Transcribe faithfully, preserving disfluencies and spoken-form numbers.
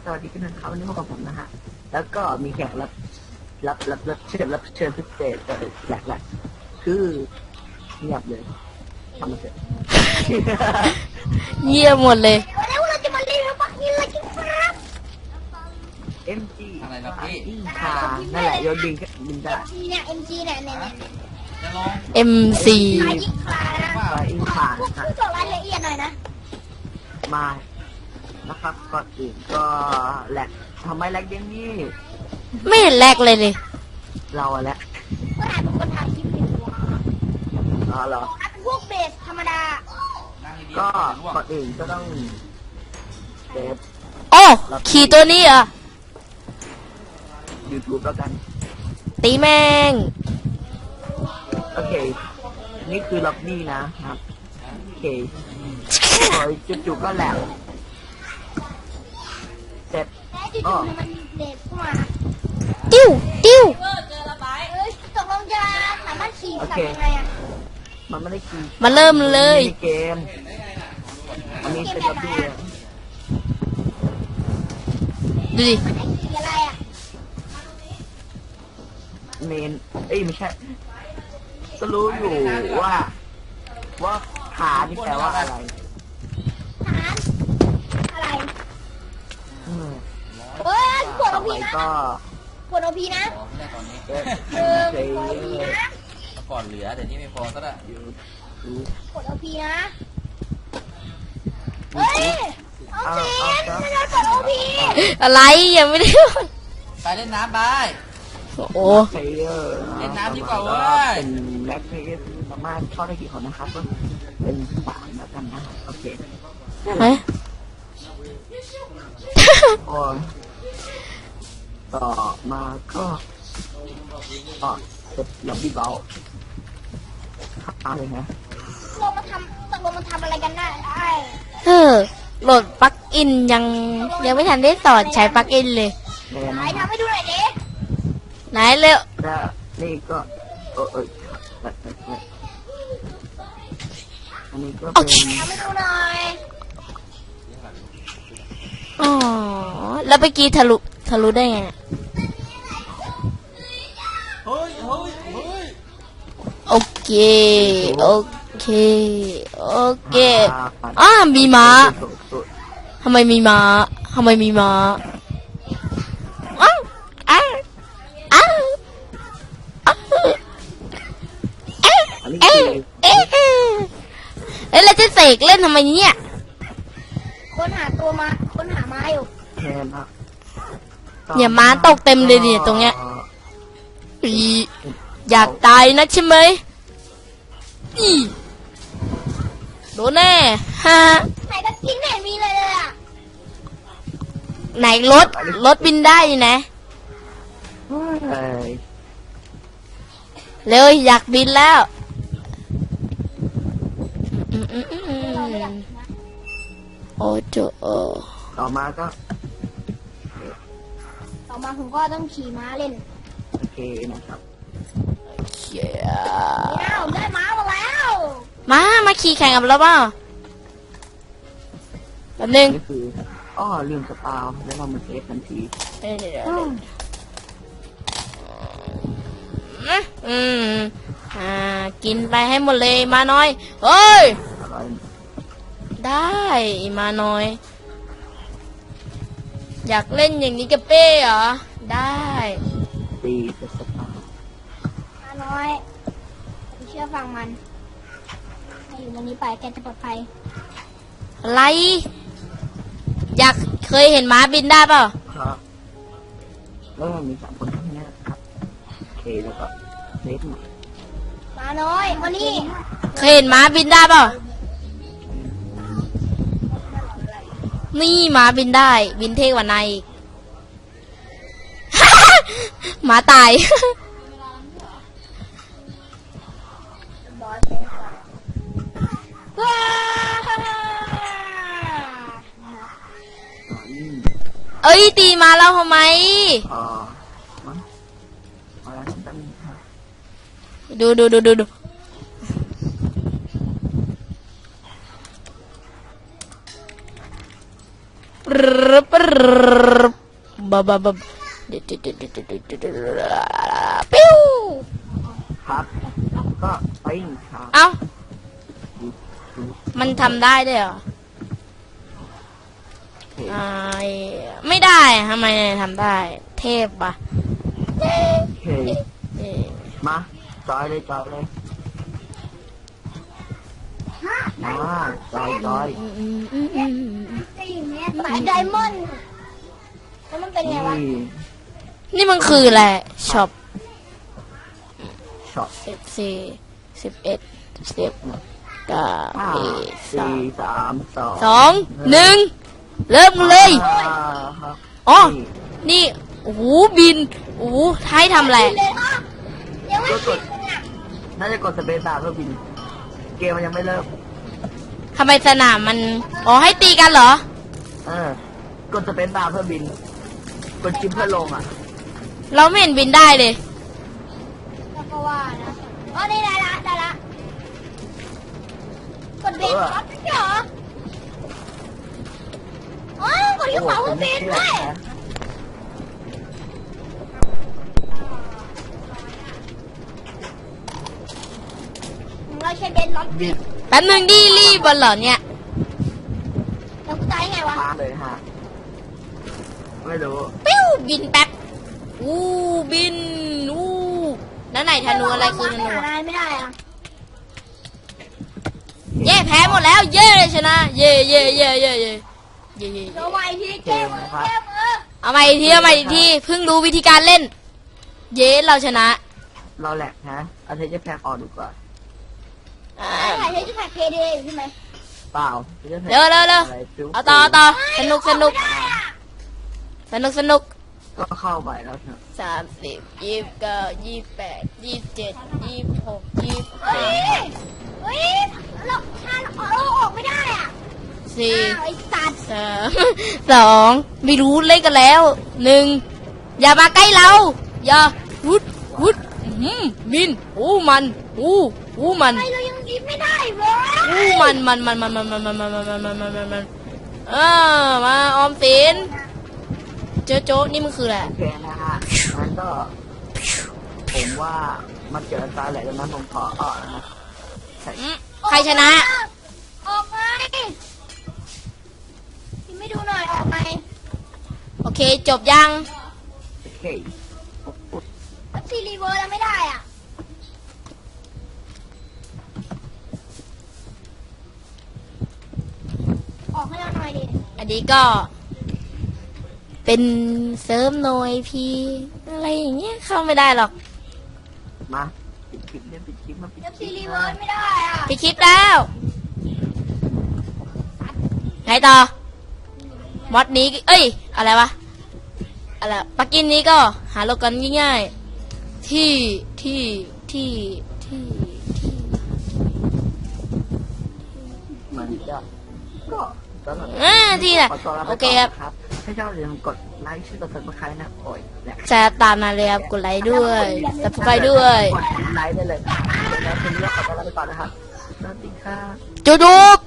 สวัสดีกันนะครับวันนี้พบกับผมนะฮะแล้วก็มีแขกรับรับรับรับเชิญรับเชิญพิเศษแหลกแหลกคือเงียบเลยทำมาเสร็จเยี่ยมหมดเลยวันนี้เราจะมาเล่นปักนี่เลยครับเอ็มจีอะไรนะพี่ค่ะนั่นแหละโยนบินก็บินได้จีเนี่ย เอ็ม จี เนี่ยเนี่ยเนี่ยจะลงเอ็ม ซีขายยิงขานะไปอินผ่านพวกค่ะผู้บอกรายละเอียดหน่อยนะมานะครับก่อนอื่นก็แหลกทำไมแหลกอย่างนี้ไม่เห็นแรกเลยเลยเราอะแหละก็ถ่ายเป็นคนถ่ายคลิปเป็นตัวอ๋อเหรอเป็นพวกเบสธรรมดานั่งดีๆก็ร่วงก่อนอื่นก็ต้องเซฟโอ้ขี่ตัวนี้เหรอ่ะ YouTube แล้วกันตีแมงโอเค นี่คือล็อบบี้นะครับ โอเคโอ้ยจุดๆก็แหลกเสร็จแต่จู่ๆมันเดทเข้ามาติ้วติ้วเอ้ยตกลงจะสามารถขี่สัตว์ยังไงอ่ะมันไม่ได้ขี่มาเริ่มเลยในเกม อันนี้เป็นล็อบบี้อะดูดิมันไอ้ขี่อะไรอ่ะเมน เอ้ยไม่ใช่ ก็รู้อยู่ว่า ว่าขานี่แปลว่าอะไรฐานอะไรอืมเฮ้ยปวดต่โออไปพีนะก็ปวดโอพีนะขอไม่ได้ตอนนี้เอ๊ะเออเซปวดโอพีนะแล้วก่อนเหลือเดี๋ยวนี้ไม่พอซะละยูทูบปวดโอพีนะเฮ้ยเอาสิไม่ได้ปวดโอพีอะไรยังไม่ได้ไปเล่นน้ำไปโอ้เพลเยอร์เล่นน้ำดีกว่าเว้ยเป็นแบ็คเพลเยอร์สามารถเข้าได้กี่คนนะครับก็เป็นสามแล้วกันนะโอเคเฮ้ยโอ้ยต่อมาก็ต่อเสร็จล็อบบี้เบาอะไรนะลงมาทำตกลงมาทำอะไรกันได้ไอ้เออโหลดปลั๊กอินยังยังไม่ทันได้สอนใช้ปลั๊กอินเลยแน่ไหนนะทำให้ดูหน่อยดิไหนเร็วแล้วนี่ก็เออเออแบบแบบแบบอันนี้ก็เป็นทำให้ดูหน่อยอ๋อแล้วเมื่อกี้ทะลุทะลุได้ไงเนี่ยเฮ้ยเฮ้ยเฮ้ยโอเคโอเคโอเคอ้ามีม้าทำไมมีม้าทำไมมีม้าอ้าวอ้าวอ้าวอ้าวอันนี้เอ๊ะคือเอ๊ะเอ๊ะเอ้ยแล้วจะเสกเล่นทำไมเนี่ยค้นหาตัวมาค้นหาไม้อยู่แทนนะเนี่ยม้าตกเต็มเลยเนี่ยตรงเนี้ยอีอยากตายนะใช่ไหมอีโดนแน่ฮะไหนก็กินไหนมีเลยเลยอ่ะไหนรถรถบินได้อยู่นะเฮ้ยเร็วอยากบินแล้วอืมอืมอืมอืเราไม่อยากมกินนะโอ้โจโอต่อมาก็ต่อมาผมก็ต้องขี่ม้าเล่นโอเคนะครับเขียเนี่ยผมได้ม้ามาแล้วมามาขี่แข่งกับเราเปล่าแป๊บนึงนี่คืออ้อลืมสปาวแล้วเรามาเซฟทันทีเดี๋ยวเดี๋ยวเดี๋ยวอืมอ่ากินไปให้หมดเลยมาน้อยเฮ้ยอะไรได้มาน้อย อยากเล่นอย่างนี้กับเป้เหรอได้ตีเป็นสปาวม้าน้อยผมเชื่อฟังมันให้อยู่วันนี้ไปแกจะปลอดภัยอะไร อยากเคยเห็นม้าบินได้เปล่าครับแล้วมันมีสามคนเท่านี้นะครับโอเคแล้วก็เซฟหน่อยม้าน้อยวันนี้เคยเห็นม้าบินได้เปล่านี่ม้าบินได้ บินเท่กว่านายอีก หมาตายว้าอืมเอ้ยตีมาแล้วทำไมอ่ามั้งเอาละแป๊บนึงครับดูดูดูดูดูอบะบะบะปิ้วครับก็ปิ้งครับเอ้ามันทำได้ด้วยเหรอไอ้ไม่ได้ทำไมทำได้ เทพปะโอเคมาจอยเลยจอยเลยมาจอยจอยจะอยู่เนี่ยสายไดมอนด์แล้วมันเป็นไงวะนี่นี่มันคืออะไรช็อปช็อตสิบสี่สิบเอ็ดสิบเก้าห้าสาสี่มสามสองสองหนึ่งเริ่มเลยอ่าครับอ๋อนี่นี่โอ้โหบินโอ้โหให้ทำอะไรเลยอ่ะยังไม่ถึงอ่ะน่าจะกดสเปซบาร์เพื่อบิน เกมมันยังไม่เริ่มทำไมสนามมัน อ๋อ ให้ตีกันเหรอเออ กดสเปซบาร์เพื่อบิน กดชิปเพื่อลงอ่ะเราไม่เห็นบินได้เลยแล้วก็ว่านะอ๋อนี่ได้ละได้ละกดเบรกครับเหรออ๋อกดที่ขวาเพื่อเบรกด้วยเราใช้เบนล็อกบินแป๊บนึงดิรีบบอลเหรอเนี่ยแล้วกูตายไงวะมาเลยฮะ ไม่รู้ปิ้วบินแป๊บอู้บินอู้แล้วไหนธนูอะไรคือธนูหาไม่ได้อะเย่แพ้หมดแล้ว เย่ชนะ เย่เย่เย่เย่เย่เย่เย่เดี๋ยวใหม่ทีแก้มือแก้มือเอาใหม่อีกทีเอาใหม่อีกทีเพิ่งรู้วิธีการเล่น เย่เราชนะเราแหลกฮะเอาเทจะแพ็กออกดีกว่าอ่าถ่ายใช้ที่ถ่ายเพย์เดย์ใช่ไหมเปล่าเร็วเร็วเร็วอะไรจุ๊บเอาต่อเอาต่อสนุกสนุกสนุกสนุกก็เข้าไปแล้วเถอะสามสิบยี่สิบเก้ายี่สิบแปดยี่สิบเจ็ดยี่สิบหกยี่สิบเฮ้ยเฮ้ยเราถ้าเราออกไม่ได้อ่ะสี่อ้าวไอ้สัตว์สามสองไม่รู้เล่นกันแล้วหนึ่งอย่ามาใกล้เรา อย่าวุดวุดอื้อหือบินอู้มันอู้อู้มันทำไมเรายังยิ้มไม่ได้เว้ยอู้มันมันมันมันมันมันมันมันมันมันมันมันมันเออมาออมสินเจอโจ๊กนี่มันคืออะไรโอเคนะฮะงั้นก็ ผมว่ามันเจอตาแหลกแล้วนั้นผมขอออกนะอืมใครชนะออกไงยิ้มไม่ดูหน่อยออกไงโอเคจบยังโอเคแล้วซีรีเวอร์แล้วไม่ได้อ่ะออกให้เราหน่อยดิอันนี้ก็ เป็นเสริมหน่อยพีอะไรอย่างเงี้ยเข้าไม่ได้หรอกมาปิดคลิปเนี่ยปิดคลิปมาปิดแล้วคซีลิปรีเวอนะร์ไม่ได้อ่ะไปคลิปแล้วไงต่อมอดนี้ เอ้ย อะไรวะ อะไรปักกินนี้ก็หาโลกันง่ายๆ ที่ ที่ ที่ ที่ ที่มันจะก็ตอนนั้นอ่าที่น่ะขอตัวลาไปโอเคก่อนครับนะครับถ้าชอบอย่าลืมกดไลค์ชื่อกดซับสไครต์นะโอ้ยแหละแชร์ตามมาเลยครับ กดไลค์ด้วยสับสไครด้วยกดไลค์ได้เลยแล้วคืนนี้ขอตัวลาไปก่อนนะครับสวัสดีครับจุ๊บ